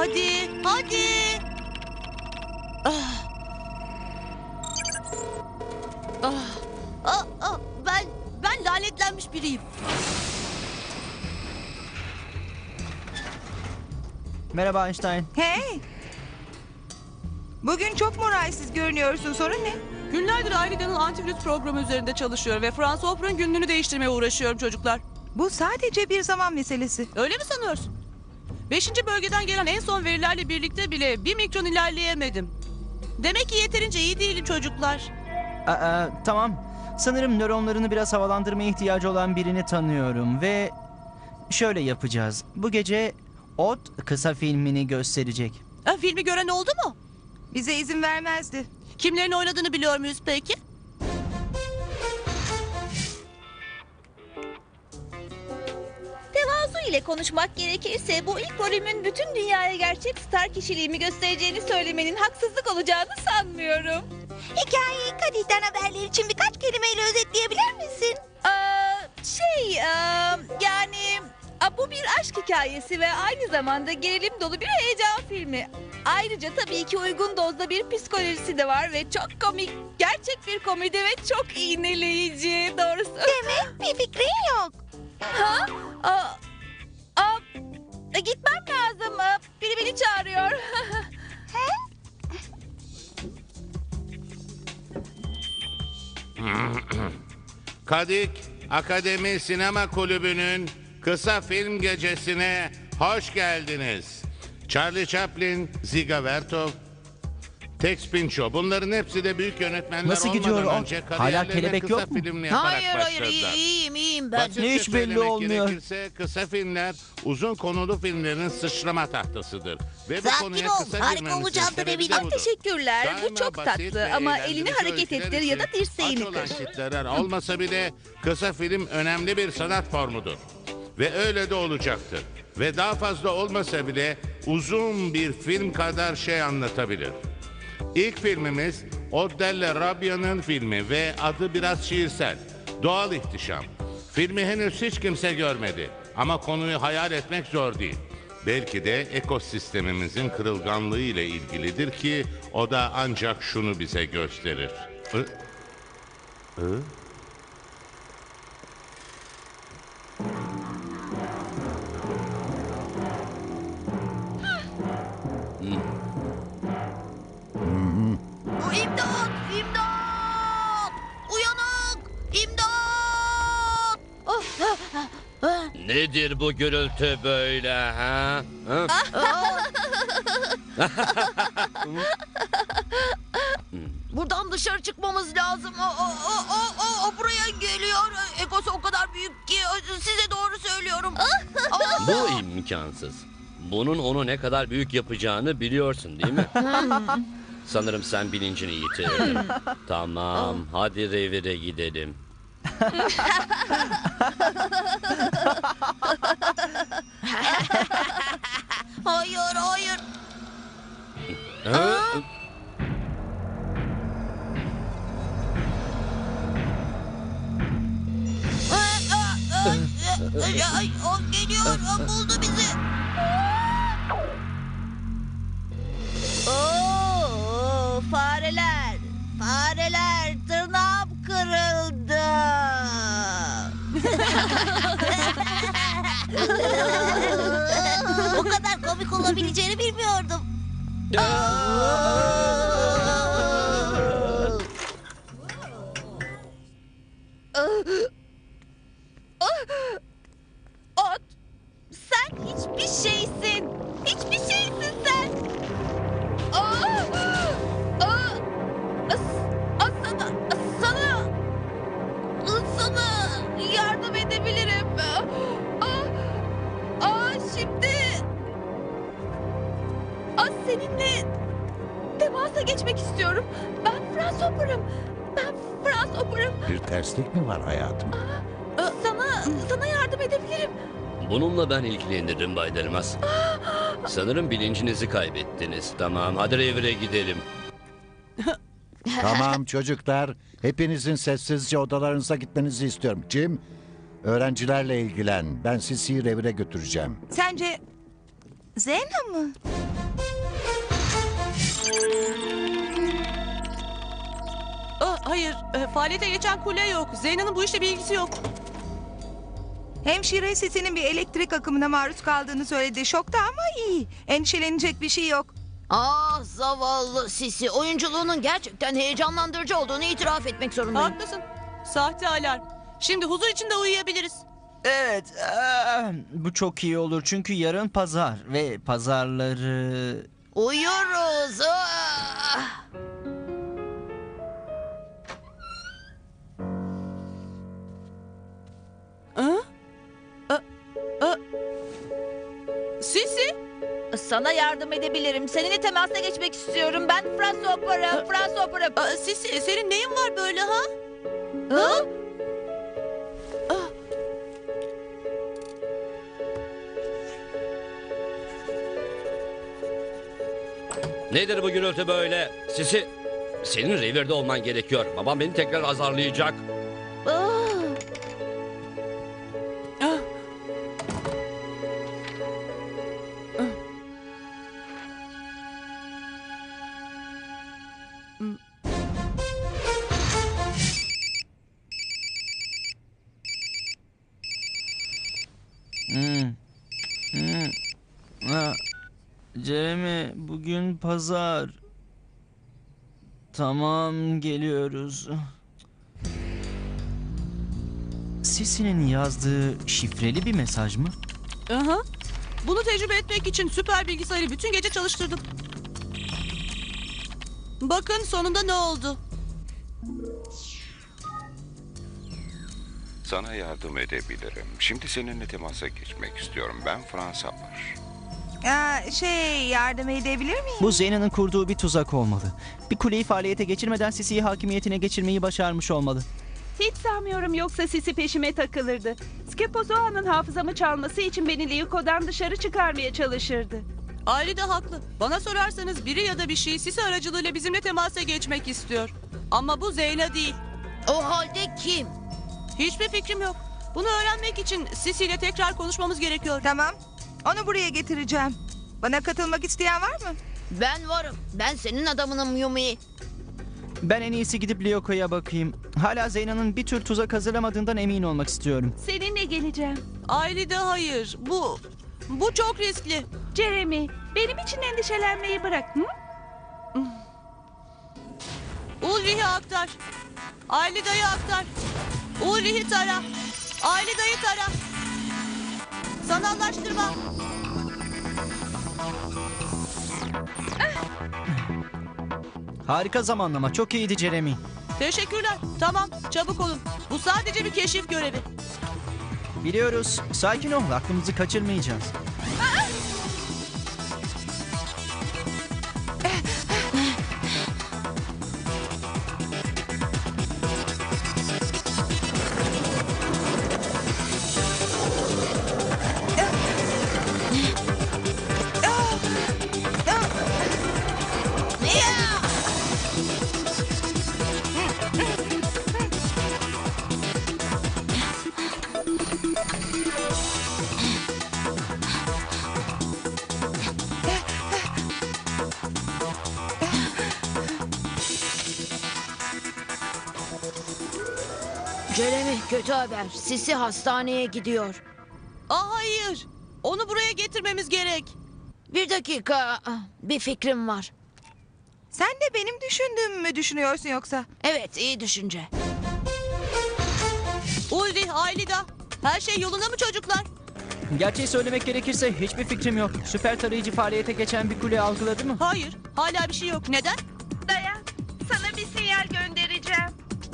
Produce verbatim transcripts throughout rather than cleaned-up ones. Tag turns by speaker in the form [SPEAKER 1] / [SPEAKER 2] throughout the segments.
[SPEAKER 1] Hadi, hadi. Ah. Ah. Ah, ah, ben ben lanetlenmiş biriyim.
[SPEAKER 2] Merhaba Einstein.
[SPEAKER 3] Hey! Bugün çok moralsiz görünüyorsun. Sorun ne?
[SPEAKER 4] Günlerdir Aylina'nın antivirüs programı üzerinde çalışıyor ve Franz Hopper'ın günlüğünü değiştirmeye uğraşıyorum çocuklar.
[SPEAKER 3] Bu sadece bir zaman meselesi.
[SPEAKER 4] Öyle mi sanıyorsun? Beşinci bölgeden gelen en son verilerle birlikte bile bir mikron ilerleyemedim. Demek ki yeterince iyi değilim çocuklar.
[SPEAKER 2] Aa, tamam. Sanırım nöronlarını biraz havalandırmaya ihtiyacı olan birini tanıyorum ve şöyle yapacağız. Bu gece Ot kısa filmini gösterecek.
[SPEAKER 4] Ha, filmi gören oldu mu?
[SPEAKER 3] Bize izin vermezdi.
[SPEAKER 4] Kimlerin oynadığını biliyor muyuz peki?
[SPEAKER 5] Tevazu ile konuşmak gerekirse bu ilk rolümün bütün dünyaya gerçek star kişiliğimi göstereceğini söylemenin haksızlık olacağını sanmıyorum.
[SPEAKER 1] Hikayeyi Kadih'ten haberler için birkaç kelimeyle özetleyebilir misin?
[SPEAKER 5] Aa, şey, aa, yani aa, bu bir aşk hikayesi ve aynı zamanda gerilim dolu bir heyecan filmi. Ayrıca tabii ki uygun dozda bir psikolojisi de var ve çok komik, gerçek bir komedi ve çok iğneleyici doğrusu.
[SPEAKER 1] Demek bir fikrin yok.
[SPEAKER 5] Ha? Aa, aa, e, gitmem lazım. Aa, Biri beni çağırıyor.
[SPEAKER 6] Kadik Akademi Sinema Kulübü'nün kısa film gecesine hoş geldiniz. Charlie Chaplin, Ziga Vertov, Tex Pinchot, bunların hepsi de büyük yönetmenler
[SPEAKER 2] Nasıl gidiyor
[SPEAKER 6] olmadan
[SPEAKER 2] o?
[SPEAKER 6] önce
[SPEAKER 2] Hala
[SPEAKER 6] kariyerlerine
[SPEAKER 2] kelebek
[SPEAKER 6] kısa
[SPEAKER 2] yok mu?
[SPEAKER 6] filmini yaparak
[SPEAKER 1] Hayır hayır
[SPEAKER 6] başladılar.
[SPEAKER 1] iyi- iyiyim iyiyim ben.
[SPEAKER 6] Basitçe
[SPEAKER 2] Ne hiç belli
[SPEAKER 6] söylemek
[SPEAKER 2] olmuyor.
[SPEAKER 6] gerekirse kısa filmler uzun konulu filmlerin sıçrama tahtasıdır. Ve bu
[SPEAKER 1] Sakin
[SPEAKER 6] konuya
[SPEAKER 1] ol,
[SPEAKER 6] kısa
[SPEAKER 1] harika
[SPEAKER 6] girmemizin
[SPEAKER 1] olacağından
[SPEAKER 6] sebebi de
[SPEAKER 1] eminim.
[SPEAKER 6] budur.
[SPEAKER 5] Teşekkürler. Bu
[SPEAKER 6] Daima
[SPEAKER 5] çok
[SPEAKER 6] basit
[SPEAKER 5] tatlı
[SPEAKER 6] ve
[SPEAKER 5] ama
[SPEAKER 6] eğlenceli
[SPEAKER 5] elini hareket
[SPEAKER 6] öyküler
[SPEAKER 5] ettir ya da
[SPEAKER 6] için
[SPEAKER 5] dirseğini
[SPEAKER 6] aç olan
[SPEAKER 5] kır.
[SPEAKER 6] kitleler olmasa bile kısa film önemli bir sanat formudur. Ve öyle de olacaktır. Ve daha fazla olmasa bile uzun bir film kadar şey anlatabilir. İlk filmimiz Oddelle Rabia'nın filmi ve adı biraz şiirsel. Doğal ihtişam. Filmi henüz hiç kimse görmedi. Ama konuyu hayal etmek zor değil. Belki de ekosistemimizin kırılganlığı ile ilgilidir ki o da ancak şunu bize gösterir. Hı? Hı?
[SPEAKER 1] İmdat! İmdat! Uyanık! İmdat! Oh, ah, ah, ah.
[SPEAKER 7] Nedir bu gürültü böyle ha? Ha?
[SPEAKER 1] Buradan dışarı çıkmamız lazım. O, o, o, o, o buraya geliyor. Egosu o kadar büyük ki size doğru söylüyorum.
[SPEAKER 7] Bu imkansız. Bunun onu ne kadar büyük yapacağını biliyorsun değil mi? Sanırım sen bilincini yitirdin. Tamam, hadi revire gidelim.
[SPEAKER 1] Hayır, hayır.
[SPEAKER 7] Ha?
[SPEAKER 1] Ay, ay, ay, ay, o geliyor, o buldu bizi. Oo, fareler, fareler, tırnağım kırıldı. O kadar komik olabileceğini bilmiyordum.
[SPEAKER 5] Ot, sen hiçbir şeysin. Hiçbir şeysin sen. Aa, aa, as- as- sana, sana, sana yardım edebilirim. Aa, aa, şimdi, aa, seninle temasa geçmek istiyorum. Ben Franz Hopper'ım. Ben Franz Hopper'ım.
[SPEAKER 8] Bir terslik mi var hayatım?
[SPEAKER 5] Sana, sana yardım edebilirim.
[SPEAKER 7] Bununla ben ilgilenirim Bay Delmas. Sanırım bilincinizi kaybettiniz. Tamam, hadi revire gidelim.
[SPEAKER 8] Tamam çocuklar. Hepinizin sessizce odalarınıza gitmenizi istiyorum. Jim, öğrencilerle ilgilen. Ben sizi revire götüreceğim.
[SPEAKER 3] Sence Zena mı?
[SPEAKER 4] Aa, hayır, e, faaliyete geçen kule yok. Zeyna'nın bu işle bir ilgisi yok.
[SPEAKER 3] Hemşire Sisi'nin bir elektrik akımına maruz kaldığını söyledi. Şokta ama iyi. Endişelenecek bir şey yok.
[SPEAKER 1] Ah zavallı Sisi. Oyunculuğunun gerçekten heyecanlandırıcı olduğunu itiraf etmek zorundayım.
[SPEAKER 4] Haklısın. Sahte alarm. Şimdi huzur içinde uyuyabiliriz.
[SPEAKER 2] Evet, eee, bu çok iyi olur çünkü yarın pazar ve pazarları...
[SPEAKER 1] Uyuyoruz. Ah!
[SPEAKER 4] Hı? Aa, aa. Sisi?
[SPEAKER 5] Sana yardım edebilirim. Seninle temasa geçmek istiyorum. Ben Fransız opera, Fransız opera.
[SPEAKER 4] Aa, Sisi, senin neyin var böyle ha?
[SPEAKER 5] Hı?
[SPEAKER 7] Nedir bu gürültü böyle? Sisi, senin revirde olman gerekiyor. Babam beni tekrar azarlayacak.
[SPEAKER 5] Ah.
[SPEAKER 4] Ah.
[SPEAKER 2] Hmm. Hmm. Ha. Jeremy, bugün pazar. Tamam, geliyoruz. Sisi'nin yazdığı şifreli bir mesaj mı?
[SPEAKER 4] Aha. Bunu tecrübe etmek için süper bilgisayarı bütün gece çalıştırdım. Bakın sonunda ne oldu?
[SPEAKER 9] Sana yardım edebilirim. Şimdi seninle temasa geçmek istiyorum. Ben Fransa var.
[SPEAKER 3] Aa, şey yardım edebilir miyim?
[SPEAKER 2] Bu Zeyna'nın kurduğu bir tuzak olmalı. Bir kuleyi faaliyete geçirmeden Sisi'yi hakimiyetine geçirmeyi başarmış olmalı.
[SPEAKER 10] Hiç sanmıyorum yoksa Sisi peşime takılırdı. Skepozoa'nın hafızamı çalması için beni Liyuko'dan dışarı çıkarmaya çalışırdı.
[SPEAKER 4] Aile de haklı. Bana sorarsanız biri ya da bir şey Sisi aracılığıyla bizimle temasa geçmek istiyor. Ama bu Zeyna değil.
[SPEAKER 1] O halde kim?
[SPEAKER 4] Hiçbir fikrim yok. Bunu öğrenmek için Sisi ile tekrar konuşmamız gerekiyor.
[SPEAKER 3] Tamam. Onu buraya getireceğim. Bana katılmak isteyen var mı?
[SPEAKER 1] Ben varım. Ben senin adamınım Yumi.
[SPEAKER 2] Ben en iyisi gidip Lyoko'ya bakayım. Hala Zeyna'nın bir tür tuzak hazırlamadığından emin olmak istiyorum.
[SPEAKER 10] Seninle geleceğim.
[SPEAKER 4] Aile de hayır. Bu bu çok riskli.
[SPEAKER 10] Jeremy, benim için endişelenmeyi bırak. Hı?
[SPEAKER 4] Ulrich'e aktar. Aile dayı aktar. Ulrich'i tara. Aile dayı tara. Sanallaştırma.
[SPEAKER 2] Harika zamanlama. Çok iyiydi Jeremy.
[SPEAKER 4] Teşekkürler. Tamam, çabuk olun. Bu sadece bir keşif görevi.
[SPEAKER 2] Biliyoruz. Sakin ol. Aklımızı kaçırmayacağız.
[SPEAKER 1] Jeremy, kötü haber. Sisi hastaneye gidiyor.
[SPEAKER 4] Aa, hayır. Onu buraya getirmemiz gerek.
[SPEAKER 1] Bir dakika. Bir fikrim var.
[SPEAKER 3] Sen de benim düşündüğümü mü düşünüyorsun yoksa?
[SPEAKER 1] Evet, iyi düşünce.
[SPEAKER 4] Ulrich, Aylida. Her şey yolunda mı çocuklar?
[SPEAKER 2] Gerçeği söylemek gerekirse hiçbir fikrim yok. Süper tarayıcı faaliyete geçen bir kule algıladı mı?
[SPEAKER 4] Hayır. Hala bir şey yok. Neden?
[SPEAKER 10] Dayan, sana bir sinyal göndereceğim.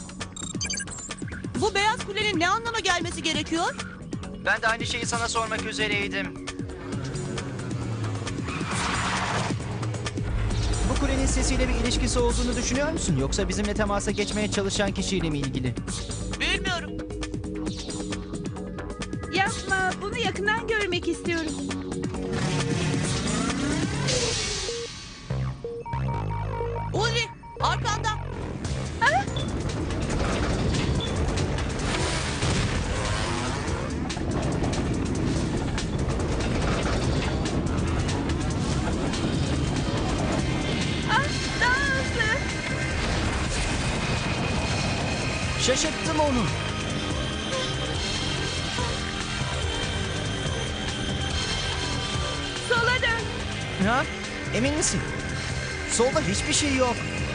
[SPEAKER 4] Bu beyaz kulenin ne anlama gelmesi gerekiyor?
[SPEAKER 2] Ben de aynı şeyi sana sormak üzereydim. Bu kulenin sesiyle bir ilişkisi olduğunu düşünüyor musun? Yoksa bizimle temasa geçmeye çalışan kişiyle mi ilgili?
[SPEAKER 4] Bilmiyorum.
[SPEAKER 10] Yapma, bunu yakından görmek istiyorum.
[SPEAKER 4] Ulrich, arkanda.
[SPEAKER 2] Şaşırttım onu.
[SPEAKER 10] Sola dön.
[SPEAKER 2] Ha? Emin misin? Solda hiçbir şey yok.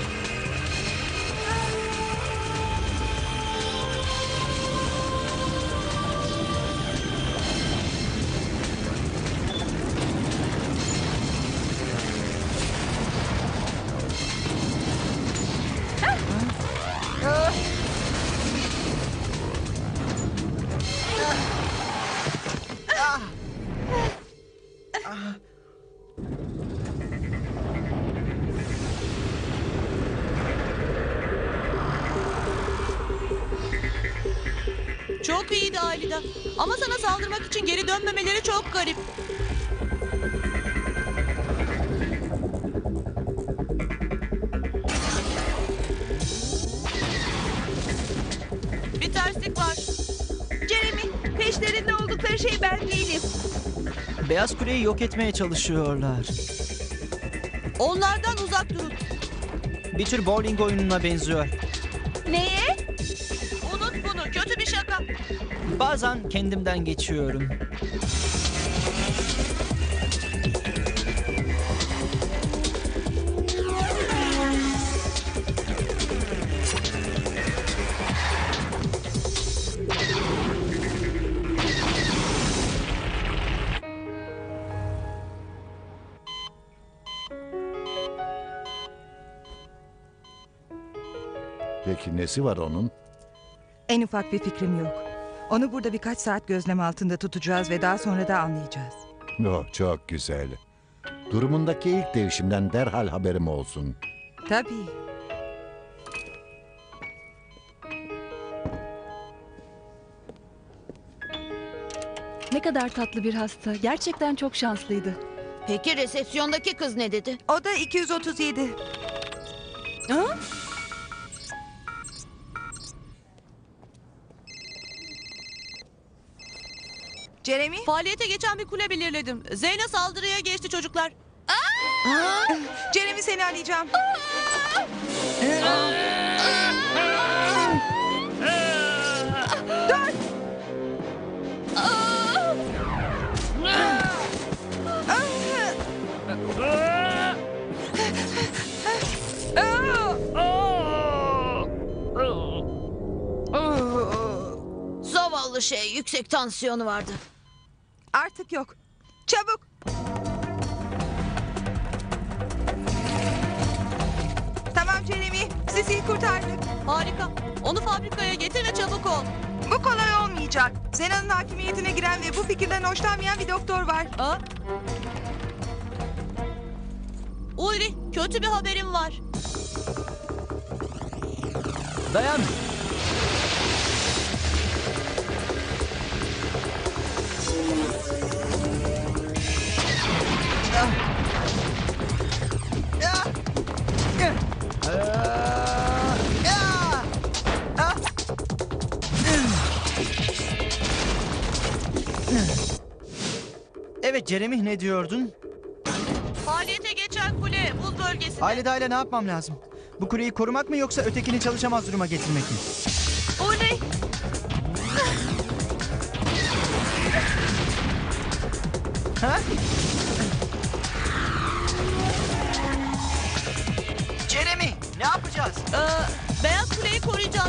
[SPEAKER 4] Çok iyiydi Alida. Ama sana saldırmak için geri dönmemeleri çok garip. Bir terslik var.
[SPEAKER 10] Jeremy, peşlerinde oldukları şey ben değilim.
[SPEAKER 2] Beyaz Kule'yi yok etmeye çalışıyorlar.
[SPEAKER 4] Onlardan uzak durun.
[SPEAKER 2] Bir tür bowling oyununa benziyor.
[SPEAKER 5] Neye?
[SPEAKER 4] Unut bunu. Kötü bir şaka.
[SPEAKER 2] Bazen kendimden geçiyorum.
[SPEAKER 8] Peki nesi var onun?
[SPEAKER 3] En ufak bir fikrim yok. Onu burada birkaç saat gözlem altında tutacağız ve daha sonra da anlayacağız.
[SPEAKER 8] Oh, çok güzel. Durumundaki ilk değişimden derhal haberim olsun.
[SPEAKER 3] Tabii.
[SPEAKER 11] Ne kadar tatlı bir hasta. Gerçekten çok şanslıydı.
[SPEAKER 1] Peki resepsiyondaki kız ne dedi?
[SPEAKER 3] O da iki yüz otuz yedi.
[SPEAKER 4] Ha?
[SPEAKER 3] Jeremy,
[SPEAKER 4] Faaliyete geçen bir kule belirledim. Zeyna saldırıya geçti çocuklar.
[SPEAKER 3] Jeremy seni arayacağım. Dur!
[SPEAKER 1] Zavallı şey, yüksek tansiyonu vardı.
[SPEAKER 3] Artık yok. Çabuk! Tamam Jeremy, Sisi'yi kurtardık.
[SPEAKER 4] Harika. Onu fabrikaya getir ve çabuk ol.
[SPEAKER 3] Bu kolay olmayacak. Zena'nın hakimiyetine giren ve bu fikirden hoşlanmayan bir doktor var.
[SPEAKER 4] Ha? Ulri, kötü bir haberim var.
[SPEAKER 2] Dayan. Evet Jeremy, ne diyordun?
[SPEAKER 4] Faaliyete geçen kule buz bölgesinde.
[SPEAKER 2] Ailede aile ne yapmam lazım? Bu kuleyi korumak mı yoksa ötekini çalışamaz duruma getirmek mi?
[SPEAKER 4] Ulri,
[SPEAKER 2] Ha? Jeremy, ne yapacağız?
[SPEAKER 4] e, beyaz kuleyi koruyacağız.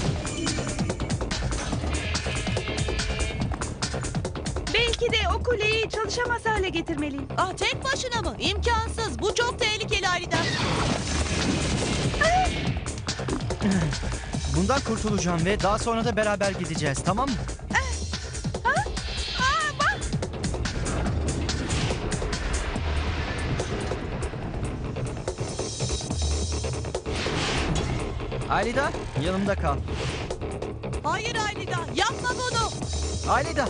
[SPEAKER 10] Belki de o kuleyi çalışamaz hale getirmeliyim.
[SPEAKER 4] Ah, tek başına mı? İmkansız. Bu çok tehlikeli Alida.
[SPEAKER 2] Bundan kurtulacağım ve daha sonra da beraber gideceğiz, tamam mı? Alida, yanımda kal.
[SPEAKER 4] Hayır Alida, yapma bunu.
[SPEAKER 2] Alida.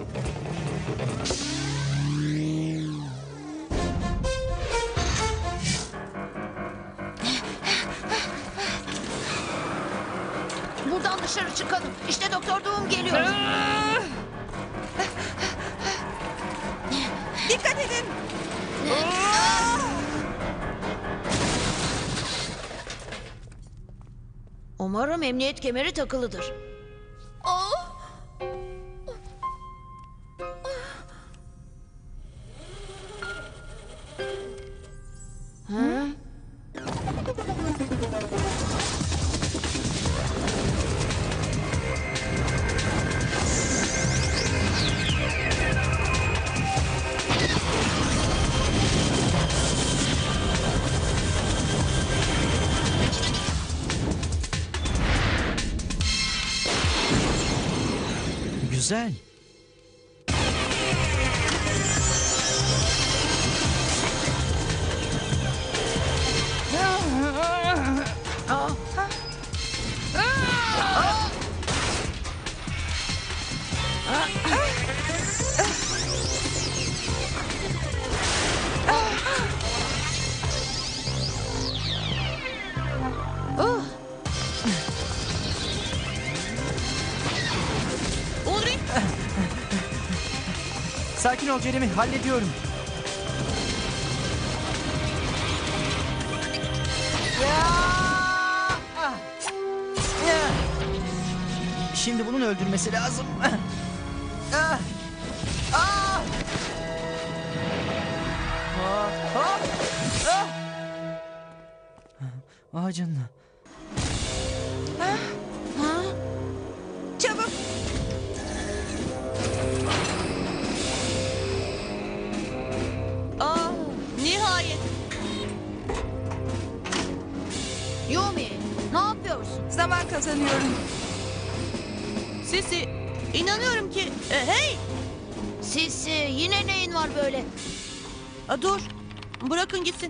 [SPEAKER 1] Buradan dışarı çıkalım. İşte Doktor Doğum geliyor.
[SPEAKER 3] Dikkat edin!
[SPEAKER 1] Umarım emniyet kemeri takılıdır.
[SPEAKER 5] Oh.
[SPEAKER 1] Ha?
[SPEAKER 2] Güzel.
[SPEAKER 4] Ulrich,
[SPEAKER 2] Sakin ol Jeremy, hallediyorum. Şimdi bunun öldürmesi lazım. Ah! Ah! Ah! Ah! Ah! Ah canına.
[SPEAKER 3] Çabuk.
[SPEAKER 4] aa, nihayet.
[SPEAKER 1] Yumi, ne yapıyorsun?
[SPEAKER 3] Zaman kazanıyorum.
[SPEAKER 4] Sisi, inanıyorum ki... E, hey!
[SPEAKER 1] Sisi, yine neyin var böyle?
[SPEAKER 4] Aa, dur, bırakın gitsin.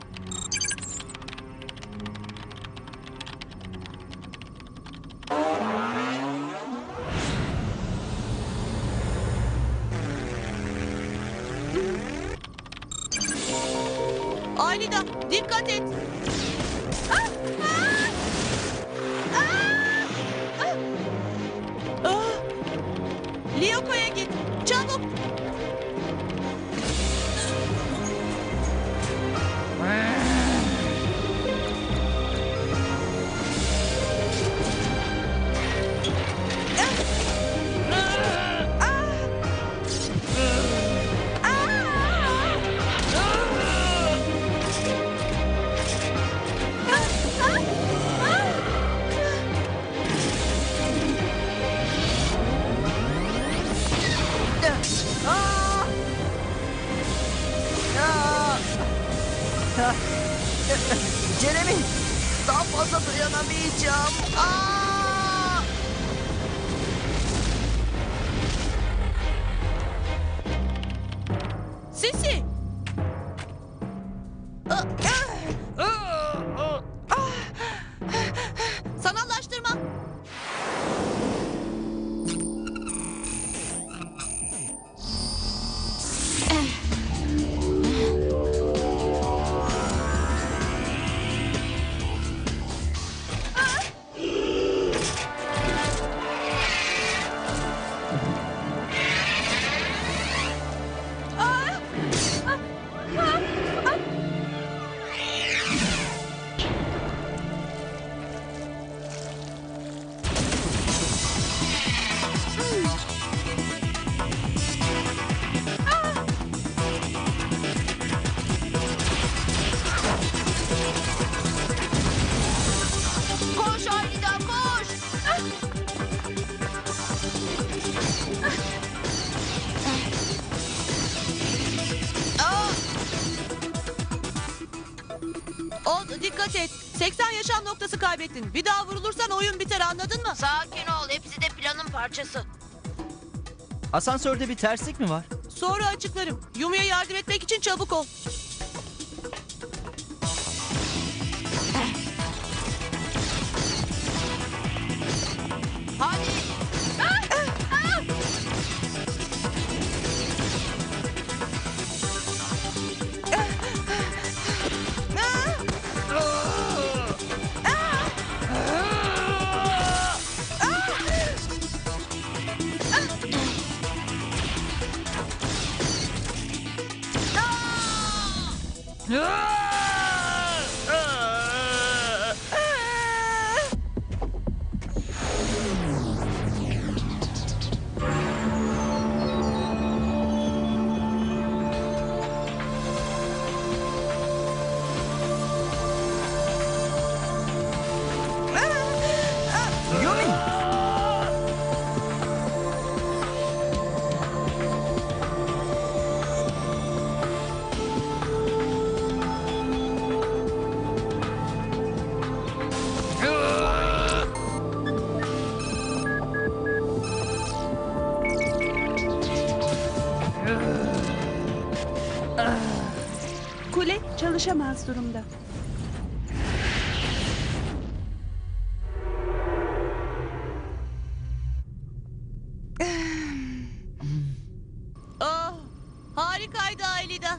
[SPEAKER 4] Anida, dikkat et. Ah! Ah! Ah! Ah! Lyoko'ya git, çabuk.
[SPEAKER 2] Jeremy, daha fazla dayanamayacağım. Aa!
[SPEAKER 4] Sisi. Sanallaştırma.
[SPEAKER 1] Koş Anida, koş! Aa!
[SPEAKER 4] Old, dikkat et. seksen yaşam noktası kaybettin. Bir daha vurulursan oyun biter, anladın mı?
[SPEAKER 1] Sakin ol, hepsi de planın parçası.
[SPEAKER 2] Asansörde bir terslik mi var?
[SPEAKER 4] Sonra açıklarım. Yumi'ye yardım etmek için çabuk ol.
[SPEAKER 1] Hadi!
[SPEAKER 10] çalışamaz durumda.
[SPEAKER 4] Oh, harikaydı Aylida.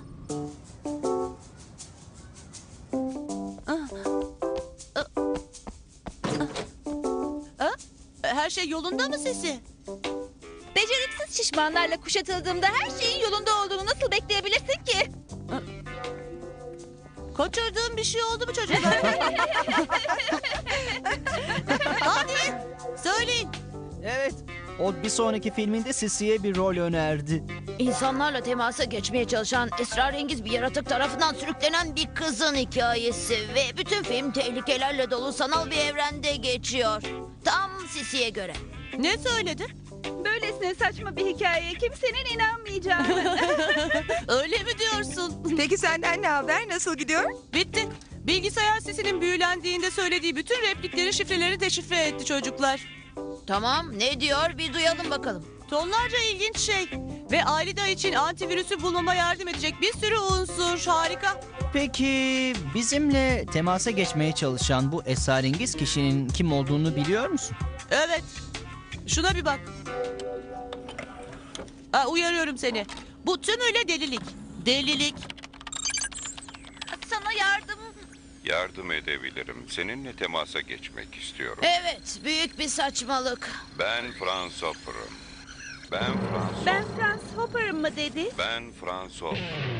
[SPEAKER 4] Ah, ah, ah, ah. Her şey yolunda mı Sisi?
[SPEAKER 5] Beceriksiz şişmanlarla kuşatıldığımda her şeyin yolunda olduğunu nasıl bekleyebilirsin ki?
[SPEAKER 4] Kaçırdığım bir şey oldu mu çocuklar? Hadi söyleyin.
[SPEAKER 2] Evet. O bir sonraki filminde Sisi'ye bir rol önerdi.
[SPEAKER 1] İnsanlarla temasa geçmeye çalışan esrarengiz bir yaratık tarafından sürüklenen bir kızın hikayesi ve bütün film tehlikelerle dolu sanal bir evrende geçiyor. Tam Sisi'ye göre.
[SPEAKER 4] Ne söyledi?
[SPEAKER 10] Böylesine saçma bir hikayeye kimsenin inanmayacağını.
[SPEAKER 4] Öyle mi diyorsun?
[SPEAKER 3] Peki senden ne haber? Nasıl gidiyor?
[SPEAKER 4] Bitti. Bilgisayar sesinin büyülendiğinde söylediği bütün replikleri, şifreleri deşifre etti çocuklar.
[SPEAKER 1] Tamam, ne diyor bir duyalım bakalım.
[SPEAKER 4] Tonlarca ilginç şey. Ve Aylida için antivirüsü bulmama yardım edecek bir sürü unsur. Harika.
[SPEAKER 2] Peki bizimle temasa geçmeye çalışan bu esrarengiz kişinin kim olduğunu biliyor musun?
[SPEAKER 4] Evet. Şuna bir bak. Aa, uyarıyorum seni. Bu tümüyle delilik. Delilik.
[SPEAKER 5] Sana yardım...
[SPEAKER 9] Yardım edebilirim. Seninle temasa geçmek istiyorum.
[SPEAKER 1] Evet, büyük bir saçmalık.
[SPEAKER 9] Ben Franz Hopper'ım. Ben Franz
[SPEAKER 10] Ben Franz Hopper'ım mı dedi?
[SPEAKER 9] Ben Franz Hopper.